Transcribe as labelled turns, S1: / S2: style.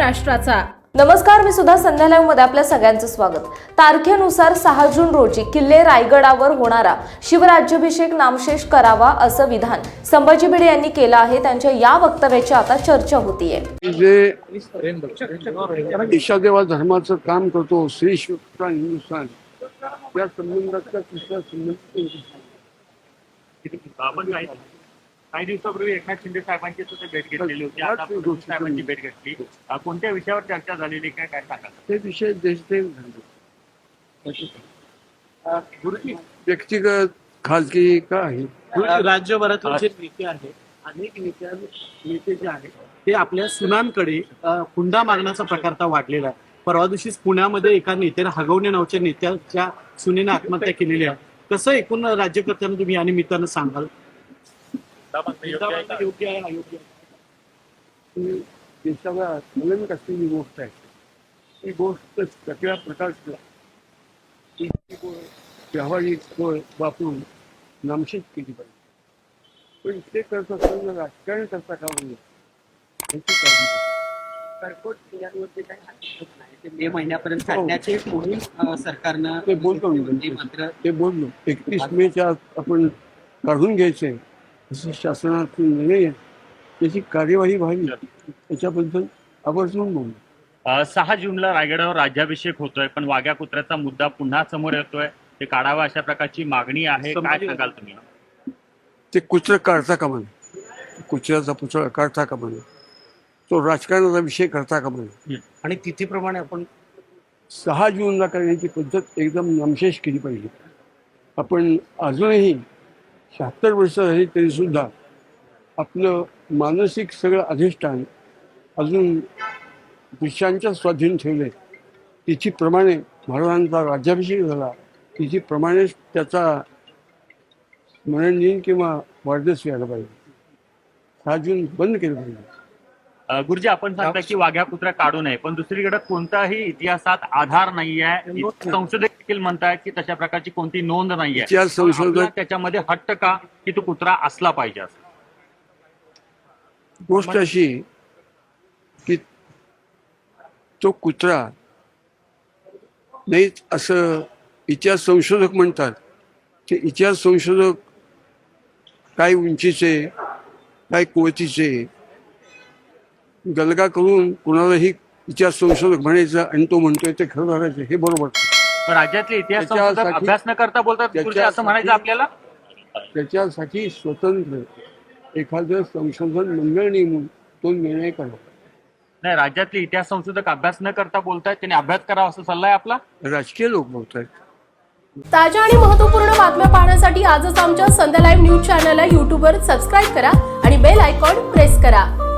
S1: महाराष्ट्राचा।
S2: नमस्कार, मी सुद्धा संध्या लाईव्ह मध्ये आपल्या सगळ्यांचं स्वागत। तारखेनुसार 6 जून रोजी किल्ले रायगडावर होणारा शिवराज्याभिषेक नामशेष करावा असं विधान संभाजी भिडे यांनी केलं आहे। त्यांच्या या वक्तव्याची आता चर्चा होतीये।
S3: जे ईशादेवा धर्माचं काम करतो श्री शिवराष्ट्र हिंदुस्थान या संबंधाचा तिसरा संबंध
S4: आपण काही दिवसापूर्वी एकनाथ शिंदे साहेबांची सुद्धा भेट घेतलेली होती। आता फडणवीस साहेबांची भेट घेतली, कोणत्या विषयावर चर्चा झालेली काय काय सांगा?
S3: ते विषय देशप्रेम झाले, व्यक्तिगत खाजगी का आहे।
S5: राज्यभरातील जे नेते आहेत, अनेक नेते जे आहेत ते आपल्या सुनांकडे हुंडा मागण्याचा प्रकार वाढलेला आहे। परवा दिवशीच पुण्यामध्ये एका नेत्याने हगवणे नावाच्या नेत्याच्या सुनेने आत्महत्या केलेली आहे। कसं एकूण राज्यकर्त्यांना तुम्ही या निमित्तानं सांगाल? योग्य आहे अयोग्य आहे?
S3: देशाला संलग्न असलेली गोष्ट आहे। ही गोष्ट सगळ्या प्रकारची व्यावहारिक वापरून नामशेष केली पाहिजे, पण ते करत असताना राजकारण करता का म्हणजे याची काळजी
S6: कडकोट किल्ल्यांवरती काही हरकत नाही, ते मे महिन्यापर्यंत काढण्याचे मोहीम सरकारनं
S3: ते बोलतो
S6: मात्र
S3: ते बोललो 31 मेच्या आपण काढून घ्यायचंय असं शासनाचा निर्णय, त्याची कार्यवाही व्हावी त्याच्याबद्दल आवर्जून बोललो।
S4: 6 जूनला रायगडावर राज्याभिषेक होतोय, पण वाघ्या कुत्र्याचा मुद्दा पुन्हा समोर येतोय, ते काढावा अशा प्रकारची मागणी आहे, काय सांगाल तुम्ही?
S3: ते कुत्र काढता का म्हणा, कुत्र्याचा पुतळा काढता का म्हणा, तो राजकारणाचा विषय करता का म्हणा,
S5: आणि तिथीप्रमाणे आपण
S3: 6 जूनला करण्याची पद्धत एकदम नामशेष केली पाहिजे। आपण अजूनही 76 वर्ष झाली तरी सुद्धा आपलं मानसिक सगळं अधिष्ठान अजून पुरुषांच्या स्वाधीन ठेवले। तिथीप्रमाणे महाराजांचा राज्याभिषेक झाला, तिथीप्रमाणेच त्याचा स्मरण दिन किंवा वाढदिवस व्हायला पाहिजे। 6 जून बंद केलं पाहिजे।
S4: गुरुजी, आपण सांगता की वाघ्या कुत्र्या काढू नये, पण दुसरीकडे कोणताही इतिहासात आधार नाहीये। संशोधक देखील म्हणतायत की तशा प्रकारची कोणती नोंद नाहीये।
S3: इतिहास संशोधक
S4: त्याच्यामध्ये हट्ट का की तो कुत्रा असला पाहिजे असं?
S3: गोष्ट अशी की तो कुत्रा नाही असं इतिहास संशोधक म्हणतात। ते इतिहास संशोधक काय उंचीचे काय कुवतीचे गलगा करून कुणालाही इतिहास संशोधक म्हणायचं आणि तो म्हणतोय ते खरं धरायचं, हे बरोबर।
S4: पण राज्यातले इतिहास संशोधक अभ्यास न करता बोलतात असं म्हणायचं आपल्याला?
S3: त्याच्यासाठी स्वतंत्र एखादं संशोधन मंडळ नेमून तो निर्णय करावा।
S4: नाही, राज्यातले इतिहास संशोधक अभ्यास न करता बोलतायत, त्यांनी अभ्यास करावा असं सल्ला आहे आपला?
S3: राजकीय लोक बोलतात।
S1: ताज्या आणि महत्त्वपूर्ण बातम्या पाहण्यासाठी आजच आमच्या संध्या लाईव्ह न्यूज चॅनलला YouTubeवर सबस्क्राईब करा आणि बेल आयकॉन प्रेस करा।